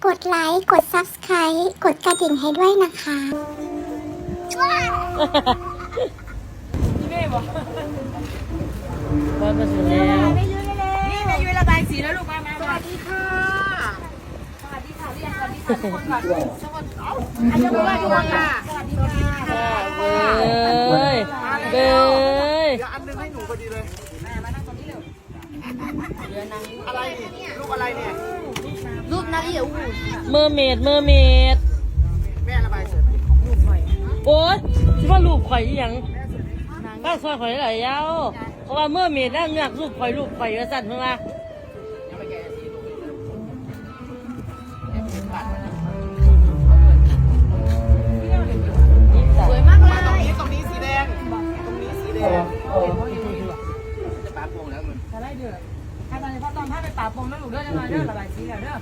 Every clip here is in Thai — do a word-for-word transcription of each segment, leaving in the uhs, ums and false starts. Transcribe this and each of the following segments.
กดไลค์ กด ซับสไครบ์ กดกระดิ่งให้ด้วยนะคะนี่แม่บอกบ้านมาถึงแล้วนี่แม่ยุ้ยระบายสีแล้วลูกมามาสวัสดีค่ะสวัสดีค่ะเรียกสวัสดีค่ะทุกคนก่อนสวัสดีอาจารย์บอกว่าทุกคนค่ะสวัสดีค่ะเบ้ยเบ้ยเดี๋ยวอันนึงให้หนูพอดีเลยมานั่งตรงนี้เร็วเรือนางอะไรนี่รูปอะไรเนี่ยรูปนางเอี่ยวเมอร์เมดเมอร์เมดแม่ระบายสวยไหมรูปหอยโอ๊ยคิดว่ารูปข่อยอีหยังบ้านซอยข่อยไหลายยาวเพราะว่าเมอร์เมดนั่งอยากรูปข่อยรูปข่อยกระสั่นเพิ่งมาสวยมากเลยตรงนี้ตรงนี้สีแดง ตรงนี้สีแดงจะปาโป่งแล้วมึงจะไล่เดือดถ้าตอนนี้พ่อตอนพ่อไปป่าปงแล้วลูกเด้อจะมาเด้อระบายสีแล้วเด้อ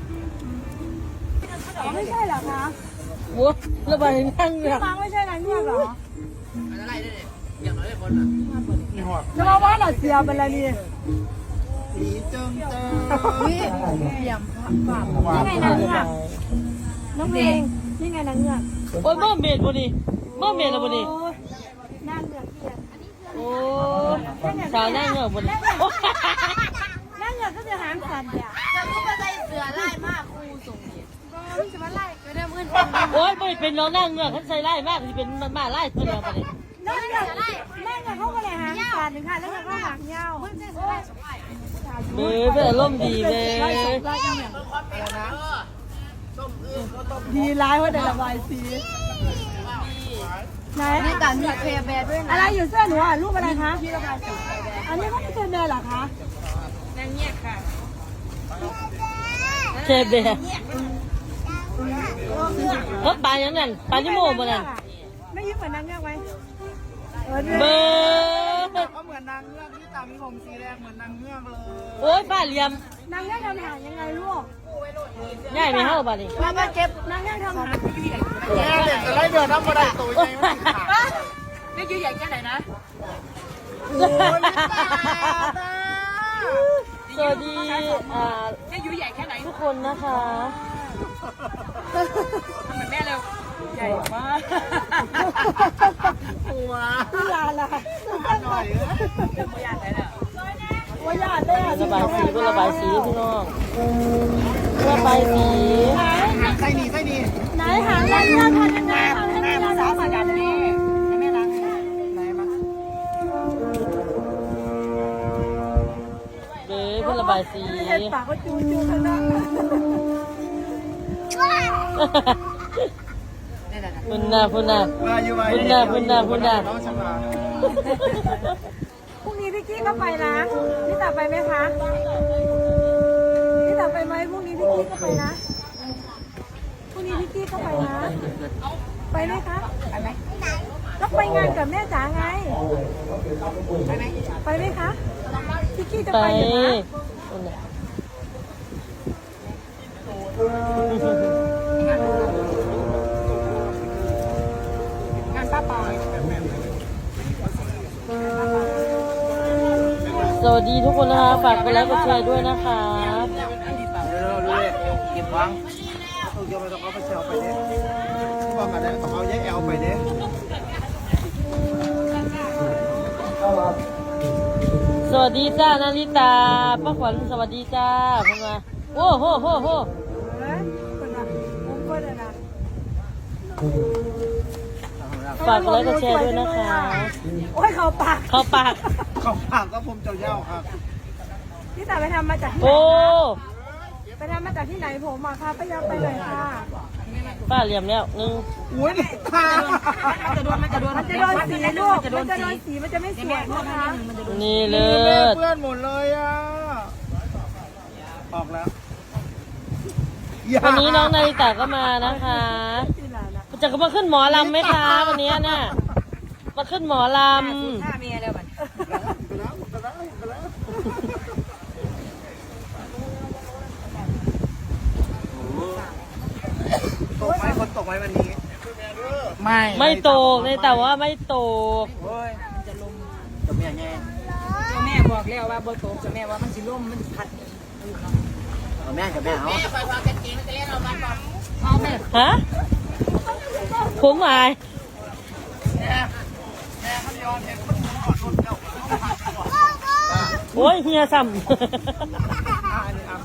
ไม่ใช่เหรอคะโว้ระบายนั่งอยากฟังไม่ใช่นางเงือกเหรออะไรได้เนี่ยอย่างน้อยได้บนอ่ะนี่หัวจะมาว่าหน่ะเสียเป็นอะไรนี่สีเจิงเจิงนี่เสียมฝ่านี่ไงนางเงือกน้องเพลงนี่ไงนางเงือกโอ๊ยเมอร์เมดบ่นี่เมอร์เมดแล้วบ่นี่นางเงือกเกียรโอ้สาวนั่งเงือกบ่นี่นางเงือกก็จะหางสันเนี่ยจะรู้ว่าใจเสือไล่มากครูส่งเด็กก็จะมาไล่ก็ได้เมื่อโอ๊ยไม่เป็นน้องนั่งเงือกเขาใส่ไล่มากที่เป็นมาไล่เพื่อนเราบ่นี่นางเงือกไล่นางเงือกเขาก็เลยหางสันหนึ่งค่ะแล้วก็หางยาวเบ้ยเป็นอารมณ์ดีเบ้ยดีร้ายว่าได้ระบายสีไหนนี่การมีเคแบร์ด้วยนะอะไรอยู่เสื้อหนูอ่ะรูปอะไรคะที่ระบายสีอันนี้ก็ไม่เคแบร์หรอคะนางเงียบค่ะเชฟเบ้เขาปลาอย่างนั้นปลาจิโม่บ่นั่นไม่ยิ้มเหมือนนางเงือกไหมเบ้ยก็เหมือนนางเงือกที่ตามีผมสีแดงเหมือนนางเงือกเลยโอ๊ยป้าเหลี่ยมนางเงือกทำหางยังไงลูกง่ายไหมเฮาบ่นี่มามาเก็บนางเงือกทำหางแม่เด็กจะไล่เดือดน้ำมาได้ตัวใหญ่ไม่ติดขานี่ยืดใหญ่แค่ไหนนะโอ้ยไม่ตาสวัสดีอ่านี่ยืดใหญ่แค่ไหนทุกคนนะคะทำเหมือนแม่เร็วใหญ่มากหัวพี่ลาล่ะหน่อยไม่อยากเลยเนี่ยว่าญาติเลยระบายสีก็ระบายสีพี่น้องระบายสีไส้หนีไส้หนีไหนหางนางเงือกทำยังไงทำให้แม่สาวมาดันนี่ให้แม่ล้างไหนมาเบ้ยเพื่อระบายสีเห็นปากก็จูจูข้างหน้าพุ่นน่ะพุ่นน่ะมาอยู่มาพุ่นน่ะพุ่นน่ะพุ่นน่ะน้องชมาพรุ่งนี้พี่กี้ก็ไปนะพี่ตาไปไหมคะพี่ตาไปไหมพรุ่งนี้พี่กี้ก็ไปนะพรุ่งนี้พี่กี้ก็ไปนะไปไหมคะไปไหมก็ไปงานกับแม่จ๋าไงไปไหมไปไหมคะพี่กี้จะไปไปอยู่นะพุ่นน่ะงานป้าปอยสวัสดีทุกคนนะคะฝากกดไลค์กดแชร์ด้วยนะคะเดี๋ยวเราเก็บวางเอาเกี่ยวไปต้องเอาไปเซลไปเด้ที่ว่ากันเนี่ยต้องเอาแยกแอลไปเด้สวัสดีจ้านาริตาป้าขวัญสวัสดีจ้าเพิ่นมาโอ้โหโหโหเฮ้ยคนน่ะมุ้งคนน่ะนะฝากกดไลค์กดแชร์ด้วยนะคะโอ้ยเขาปากเข้าปากของปากก็ผมเจ้าเย้าครับพี่ตาไปทำมาจากที่ไหนโอ้ไปทำมาจากที่ไหนผมมาค่ะไปยังไปเลยค่ะป้าเหลี่ยมแล้วหนึ่งอุ้ยตามันจะโดนมันจะโดนมันจะโดนสีลูกมันจะโดนสีมันจะไม่สวยนะคะนี่เลิแม่ศเพื่อนหมดเลยอ่ะออกแล้ววันนี้น้องนาริตาก็มานะคะสีหลานะจะมาขึ้นหมอลำไหมคะวันนี้น่ะมาขึ้นหมอลฆ่าเมียแล้วมันตกไหมคนตกไหมวันนี้ ไม่ำไม่ตกเลยแต่ว่าไม่ตกโอ้ยมันจะลมจะไม่แง่แม่บอกแล้วว่าบ่ตกแม่ว่ามันสิล่มมันพัดแม่กับแม่เอาแม่คอยพากันกินจะเล่นเอามันฮะผมอายแม่แม่เขาเดียวเห็นคนกอดรถเจ้าโอ้ยเฮียซ้อ่าอันนี้อ่ะ